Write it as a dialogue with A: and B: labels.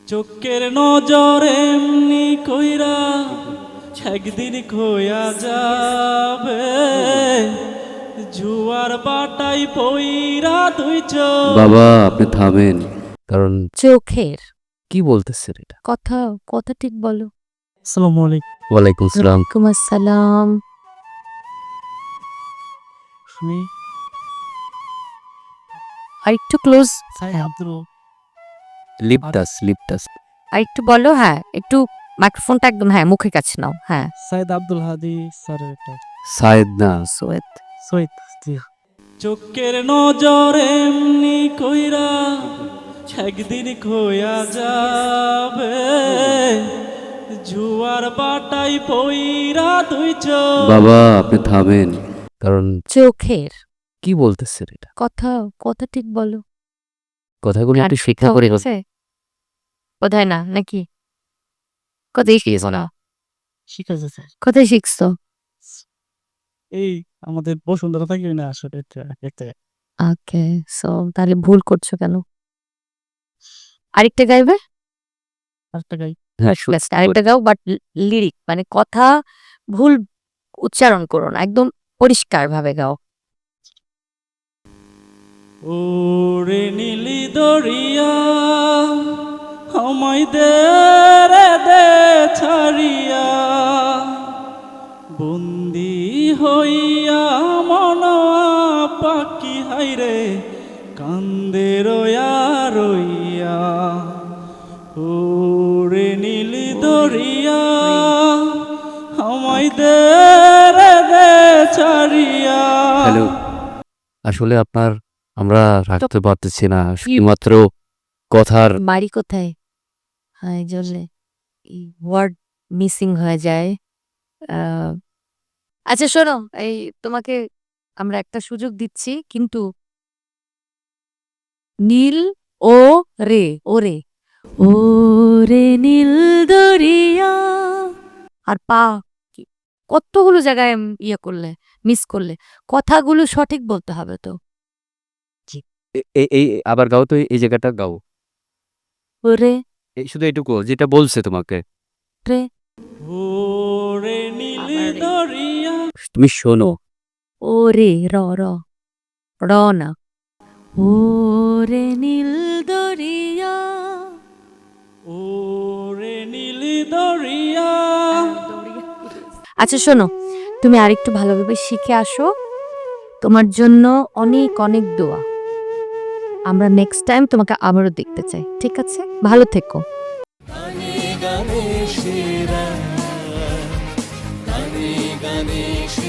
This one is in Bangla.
A: চোখের নজর এমনি কইরা একদিন খোয়া যাবে, জুয়ার বাটাই পইরা তুই
B: বাবা আপনি থামেন, কারণ
C: চোখের
B: কি বলতেছেন এটা?
C: কথা কথা ঠিক বলো।
A: আসসালামু আলাইকুম।
B: ওয়ালাইকুম সালাম।
C: ওয়ালাইকুম আসসালাম।
A: শুনি
C: আর একটু ক্লোজ,
B: লিপটাস
C: আর একটু বলো। হ্যাঁ, একটু মাইক্রোফোনটা একদম মুখের কাছে নাও। হ্যাঁ,
A: সাইদ আব্দুল হাদি স্যারের এটা
B: সায়েদ না,
C: সোয়েত।
A: সৈয়দ। চোখের নজর এমনি কইরা একদিন খোয়া যাবে, জুয়ার বাটাই পইরা তুই
B: বাবা আপনি থামেন, কারণ
C: চোখের
B: কি বলতেছেন এটা?
C: কথা কথা ঠিক বলো।
B: কথাগুলো একটু শিক্ষা করে
C: কোথায় না নাকি কোথায় শিখেছো না?
A: ঠিক আছে স্যার।
C: কোথায় শিখছো?
A: এই আমাদের বসুন্ধরা থাকি না আসলে একটা
C: ওকে, সো তাহলে ভুল করছো কেন? আরেকটা গাইবে?
A: আরেকটা গাই।
B: হ্যাঁ
C: Best, আরেকটা গাও, বাট লিরিক মানে কথা ভুল উচ্চারণ করো না, একদম পরিষ্কার ভাবে গাও।
A: ওরে নীলি দরিয়া আমায় দে রে দে ছাড়িয়া, বন্দি হইয়া মন পাখি হাইরে কান্দে রয়া রইয়া। ওরে নীলি দরিয়া আমায় দে রে দে ছাড়িয়া।
B: হ্যালো, আসলে আমরা রাখতে পারতেছি না, শুধুমাত্র কথার
C: বাড়ি কোথায়? হ্যাঁ, এই জন্যে ওয়ার্ড মিসিং হয়ে যায়। আচ্ছা শোনো, এই তোমাকে আমরা একটা সুযোগ দিচ্ছি, কিন্তু নীল ও রে, ওরে ওরে নীল দরিয়া, আর পা কতগুলো জায়গায় ইয়ে করলে, মিস করলে। কথাগুলো সঠিক বলতে হবে তো।
B: এই আবার গাও তো, এই জায়গাটা গাও,
C: ওরে
B: এই শুধু এইটুকু যেটা বলছে তোমাকে।
C: রে,
A: ওরে নীলি
C: আবার রে।
A: দরিয়া।
B: তুমি শোনো,
C: ওরে র র র না, ওরে নীল দরিয়া।
A: ওরে নীলি দরিয়া।
C: আচ্ছা শোনো, তুমি আরেকটু ভালোভাবে শিখে আসো। তোমার জন্য অনেক অনেক দোয়া। আমরা নেক্সট টাইম তোমাকে আবারও দেখতে চাই, ঠিক আছে? ভালো থেকো।
A: গানে গানে সেরা, গানে গানে সেরা।